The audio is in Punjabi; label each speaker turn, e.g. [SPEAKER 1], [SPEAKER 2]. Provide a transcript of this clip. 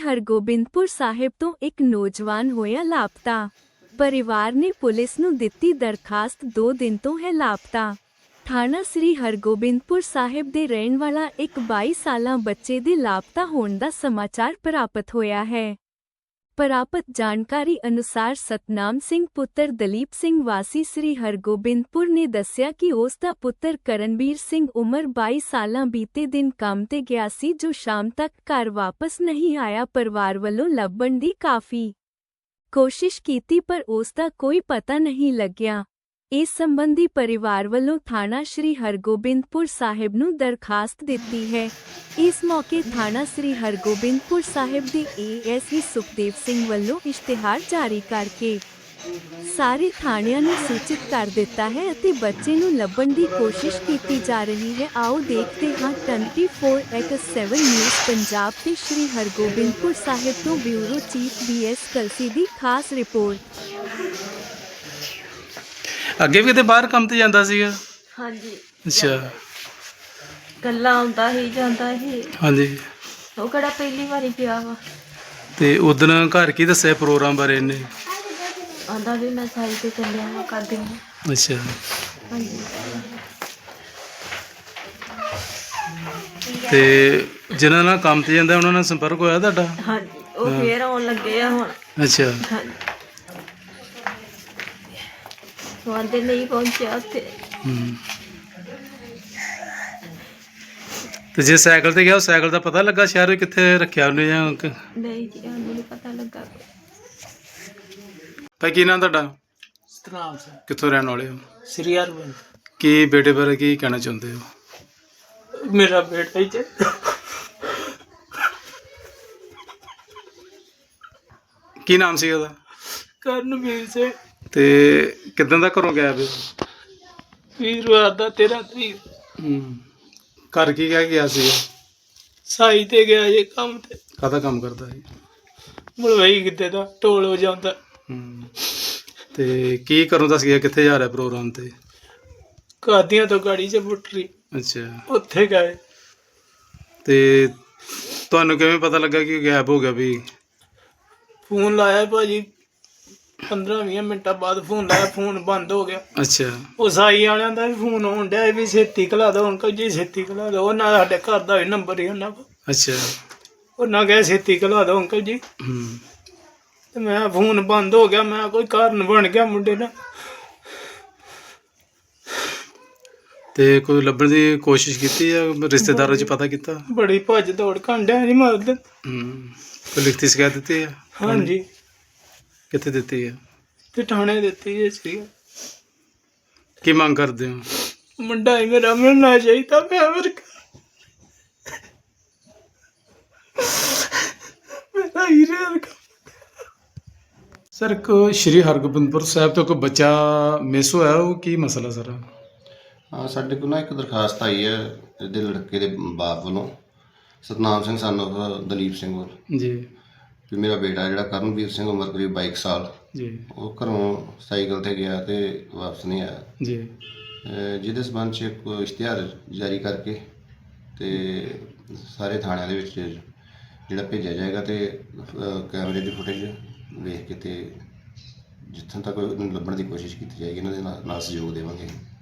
[SPEAKER 1] ਹਰਗੋਬਿੰਦਪੁਰ ਸਾਹਿਬ ਤੋਂ ਇੱਕ ਨੌਜਵਾਨ ਹੋਇਆ ਲਾਪਤਾ। ਪਰਿਵਾਰ ਨੇ ਪੁਲਿਸ ਨੂੰ ਦਿੱਤੀ ਦਰਖਾਸਤ, 2 ਦਿਨ ਤੋਂ ਹੈ ਲਾਪਤਾ। ਥਾਣਾ ਸ੍ਰੀ ਹਰਗੋਬਿੰਦਪੁਰ ਸਾਹਿਬ ਦੇ ਰਹਿਣ ਵਾਲਾ ਇੱਕ 22 ਸਾਲਾ ਬੱਚੇ ਦੇ ਲਾਪਤਾ ਹੋਣ ਦਾ ਸਮਾਚਾਰ ਪ੍ਰਾਪਤ ਹੋਇਆ ਹੈ। ਪ੍ਰਾਪਤ ਜਾਣਕਾਰੀ ਅਨੁਸਾਰ ਸਤਨਾਮ ਸਿੰਘ ਪੁੱਤਰ ਦਲੀਪ ਸਿੰਘ ਵਾਸੀ ਸ੍ਰੀ ਹਰਗੋਬਿੰਦਪੁਰ ਨੇ ਦੱਸਿਆ ਕਿ ਉਸ ਦਾ ਪੁੱਤਰ ਕਰਨਵੀਰ ਸਿੰਘ ਉਮਰ 22 ਸਾਲਾਂ ਬੀਤੇ ਦਿਨ ਕੰਮ ਤੇ ਗਿਆ ਸੀ, ਜੋ ਸ਼ਾਮ ਤੱਕ ਘਰ ਵਾਪਸ ਨਹੀਂ ਆਇਆ। ਪਰਿਵਾਰ ਵੱਲੋਂ ਲੱਭਣ ਦੀ ਕਾਫੀ ਕੋਸ਼ਿਸ਼ ਕੀਤੀ ਪਰ ਉਸ ਦਾ ਕੋਈ ਪਤਾ ਨਹੀਂ ਲੱਗਿਆ। ਇਸ ਸੰਬੰਧੀ ਪਰਿਵਾਰ ਵੱਲੋਂ ਥਾਣਾ ਸ੍ਰੀ ਹਰਗੋਬਿੰਦਪੁਰ ਸਾਹਿਬ ਨੂੰ ਦਰਖਾਸਤ ਦਿੱਤੀ ਹੈ। ਇਸ ਮੌਕੇ ਥਾਣਾ ਸ੍ਰੀ ਹਰਗੋਬਿੰਦਪੁਰ ਸਾਹਿਬ ਦੇ ਏਐਸਆਈ ਸੁਖਦੇਵ ਸਿੰਘ ਵੱਲੋਂ ਇਸ਼ਤਿਹਾਰ ਜਾਰੀ ਕਰਕੇ ਸਾਰੇ ਥਾਣਿਆਂ ਨੂੰ ਸੂਚਿਤ ਕਰ ਦਿੱਤਾ ਹੈ ਅਤੇ ਬੱਚੇ ਨੂੰ ਲੱਭਣ ਦੀ ਕੋਸ਼ਿਸ਼ ਕੀਤੀ ਜਾ ਰਹੀ ਹੈ। ਆਓ ਦੇਖਦੇ ਹਾਂ 24x7 ਨਿਊਜ਼ ਪੰਜਾਬ ਤੇ ਸ੍ਰੀ ਹਰਗੋਬਿੰਦਪੁਰ ਸਾਹਿਬ ਤੋਂ ਬਿਊਰੋ ਚੀਫ BS ਕਲਸੀ ਦੀ ਖਾਸ ਰਿਪੋਰਟ।
[SPEAKER 2] ਅੱਗੇ ਵੀ ਕਿਤੇ ਬਾਹਰ ਕੰਮ ਤੇ ਜਾਂਦਾ ਸੀਗਾ?
[SPEAKER 3] ਹਾਂਜੀ।
[SPEAKER 2] ਅੱਛਾ।
[SPEAKER 3] ਗੱਲਾਂ ਆਉਂਦਾ ਹੀ ਜਾਂਦਾ ਹੀ।
[SPEAKER 2] ਹਾਂਜੀ।
[SPEAKER 3] ਉਹ ਕਿਹੜਾ ਪਹਿਲੀ ਵਾਰੀ ਗਿਆ ਵਾ।
[SPEAKER 2] ਤੇ ਉਦੋਂ ਘਰ ਕੀ ਦੱਸਿਆ ਪ੍ਰੋਗਰਾਮ ਬਾਰੇ ਇਹਨੇ?
[SPEAKER 3] ਆਂਦਾ ਵੀ ਮੈਂ ਸਾਈਡ ਤੇ ਚੱਲਿਆ ਵਾ ਕਰਦੇ ਹਾਂ।
[SPEAKER 2] ਅੱਛਾ।
[SPEAKER 3] ਹਾਂਜੀ।
[SPEAKER 2] ਤੇ ਜਿਨ੍ਹਾਂ ਨਾਲ ਕੰਮ ਤੇ ਜਾਂਦਾ ਉਹਨਾਂ ਨਾਲ ਸੰਪਰਕ ਹੋਇਆ ਤੁਹਾਡਾ?
[SPEAKER 3] ਹਾਂਜੀ, ਉਹ ਫੇਰ ਆਉਣ ਲੱਗੇ ਆ ਹੁਣ।
[SPEAKER 2] ਅੱਛਾ।
[SPEAKER 3] ਹਾਂਜੀ। ਤੁਹਾਡੇ ਨਹੀਂ ਪਹੁੰਚਿਆ ਉੱਥੇ।
[SPEAKER 2] ਤੇ ਜੇ ਸਾਈਕਲ ਤੇ ਗਿਆ, ਉਹ ਸਾਈਕਲ ਦਾ ਪਤਾ ਲੱਗਾ ਸ਼ਹਿਰ ਵਿੱਚ ਕਿੱਥੇ ਰੱਖਿਆ ਉਹਨੇ ਜਾਂ
[SPEAKER 3] ਨਹੀਂ ਜੀ, ਸਾਨੂੰ ਨਹੀਂ ਪਤਾ ਲੱਗਾ।
[SPEAKER 2] ਭਾਈ ਕੀ ਨਾਮ ਤੁਹਾਡਾ?
[SPEAKER 4] ਸਤਨਾਮ ਸਿੰਘ,
[SPEAKER 2] ਕਿੱਥੋਂ ਰਹਿਣ ਵਾਲੇ ਹੋ?
[SPEAKER 4] ਸ੍ਰੀ ਹਰਗੋਬਿੰਦ।
[SPEAKER 2] ਕੀ ਬੇਟੇ ਬਾਰੇ ਕੀ ਕਹਿਣਾ ਚਾਹੁੰਦੇ ਹੋ?
[SPEAKER 4] ਮੇਰਾ ਬੇਟਾ ਹੀ
[SPEAKER 2] ਕੀ ਨਾਮ ਸੀ ਉਹਦਾ?
[SPEAKER 4] ਕਰਨਵੀਰ ਸਿੰਘ।
[SPEAKER 2] ਤੇ ਕਿੱਦਾਂ ਦਾ ਘਰੋਂ ਗਿਆ ਵੀ?
[SPEAKER 4] ਵੀਰਵਾਰ ਦਾ 13 ਤਰੀਕ
[SPEAKER 2] ਘਰ ਕੀ ਕਹਿ ਗਿਆ ਸੀ?
[SPEAKER 4] ਸਾਈ ਤੇ ਗਿਆ ਜੇ ਕੰਮ ਤੇ।
[SPEAKER 2] ਕਾਹਦਾ ਕੰਮ ਕਰਦਾ ਸੀ?
[SPEAKER 4] ਮਲਵਈ ਕਿਤੇ ਦਾ ਢੋਲ ਵਜਾਉਂਦਾ।
[SPEAKER 2] ਤੇ ਕੀ ਕਰੋਂ ਦੱਸ ਗਿਆ? ਕਿੱਥੇ ਜਾ ਰਿਹਾ ਪ੍ਰੋਗਰਾਮ ਤੇ?
[SPEAKER 4] ਕਾਦੀਆਂ ਤੋਂ ਗਾੜੀ 'ਚ ਬੁੱਟਰੀ,
[SPEAKER 2] ਅੱਛਾ।
[SPEAKER 4] ਉੱਥੇ ਗਏ।
[SPEAKER 2] ਤੇ ਤੁਹਾਨੂੰ ਕਿਵੇਂ ਪਤਾ ਲੱਗਾ ਕਿ ਗਾਇਬ ਹੋ ਗਿਆ ਵੀ?
[SPEAKER 4] ਫੋਨ ਲਾਇਆ ਭਾਜੀ, 15-20 ਮਿੰਟਾਂ ਬਾਅਦ ਫੋਨ ਲਾਇਆ, ਫੋਨ ਬੰਦ ਹੋ ਗਿਆ।
[SPEAKER 2] ਅੱਛਾ।
[SPEAKER 4] ਉਹ ਸਾਈ ਵਾਲਿਆਂ ਦਾ ਵੀ ਫੋਨ ਆਉਣ ਡਿਆ ਵੀ ਛੇਤੀ ਘਲਾ ਦਿਓ ਅੰਕਲ ਜੀ, ਛੇਤੀ ਘਲਾ ਦਿਓ। ਉਹਨਾਂ ਦਾ ਸਾਡੇ ਘਰ ਦਾ ਵੀ ਨੰਬਰ ਹੀ ਉਹਨਾਂ ਕੋਲ।
[SPEAKER 2] ਅੱਛਾ।
[SPEAKER 4] ਉਹਨਾਂ ਕਹੇ ਛੇਤੀ ਘਲਾ ਦਿਓ ਅੰਕਲ ਜੀ। ਤੇ ਮੈਂ ਫੋਨ ਬੰਦ ਹੋ ਗਿਆ। ਮੈਂ ਕੋਈ ਕਾਰਨ ਬਣ ਗਿਆ ਮੁੰਡੇ ਨਾਲ।
[SPEAKER 2] ਤੇ ਕੋਈ ਲੱਭਣ ਦੀ ਕੋਸ਼ਿਸ਼ ਕੀਤੀ ਜਾਂ ਰਿਸ਼ਤੇਦਾਰਾਂ 'ਚ ਪਤਾ ਕੀਤਾ?
[SPEAKER 4] ਬੜੀ ਭੱਜ ਦੌੜ ਕਾਂਡਿਆ ਜੀ ਮਰਦ।
[SPEAKER 2] ਕੋਈ ਲਿਖਤੀ ਸ਼ਿਕਾਇਤ ਦਿੱਤੀ ਹੈ?
[SPEAKER 4] ਹਾਂਜੀ।
[SPEAKER 2] ਕਿੱਥੇ ਦਿੱਤੀ ਹੈ?
[SPEAKER 4] ਤੇ ਥਾਣੇ ਦਿੱਤੀ ਜੀ ਸੀ।
[SPEAKER 2] ਕੀ ਮੰਗ ਕਰਦੇ ਹੋ?
[SPEAKER 4] ਮੁੰਡਾ ਹੀ ਮੇਰਾ ਮਿਲਣਾ ਚਾਹੀਦਾ। ਮੈਂ ਮੇਰਾ ਹੀਰੇ ਵਰਗਾ।
[SPEAKER 2] ਸਰ, ਇੱਕ ਸ਼੍ਰੀ ਹਰਗੋਬਿੰਦਪੁਰ ਸਾਹਿਬ ਤੋਂ ਕੋਈ ਬੱਚਾ ਮਿਸ ਹੋਇਆ, ਉਹ ਕੀ ਮਸਲਾ ਸਰ?
[SPEAKER 5] ਹਾਂ, ਸਾਡੇ ਕੋਲ ਨਾ ਇੱਕ ਦਰਖਾਸਤ ਆਈ ਹੈ ਇਹਦੇ ਲੜਕੇ ਦੇ ਬਾਪ ਵੱਲੋਂ, ਸਤਨਾਮ ਸਿੰਘ ਸਨ ਆਫ ਦਲੀਪ ਸਿੰਘ ਵੱਲ,
[SPEAKER 2] ਜੀ।
[SPEAKER 5] ਵੀ ਮੇਰਾ ਬੇਟਾ ਜਿਹੜਾ ਕਰਨਵੀਰ ਸਿੰਘ, ਉਮਰ ਕਰੀਬ 22 ਸਾਲ,
[SPEAKER 2] ਜੀ।
[SPEAKER 5] ਉਹ ਘਰੋਂ ਸਾਈਕਲ ਤੇ ਗਿਆ ਤੇ ਵਾਪਸ ਨਹੀਂ ਆਇਆ।
[SPEAKER 2] ਜੀ।
[SPEAKER 5] ਜਿਹਦੇ ਸੰਬੰਧ 'ਚ ਇੱਕ ਇਸ਼ਤਿਹਾਰ ਜਾਰੀ ਕਰਕੇ ਤੇ ਸਾਰੇ ਥਾਣਿਆਂ ਦੇ ਵਿੱਚ ਜਿਹੜਾ ਭੇਜਿਆ ਜਾਏਗਾ ਤੇ ਕੈਮਰੇ ਦੀ ਫੁਟੇਜ ਵੇਖ ਕੇ ਤੇ ਜਿੱਥੋਂ ਤੱਕ ਉਹਨੂੰ ਲੱਭਣ ਦੀ ਕੋਸ਼ਿਸ਼ ਕੀਤੀ ਜਾਏਗੀ, ਇਹਨਾਂ ਦੇ ਨਾਲ ਸਹਿਯੋਗ ਦੇਵਾਂਗੇ।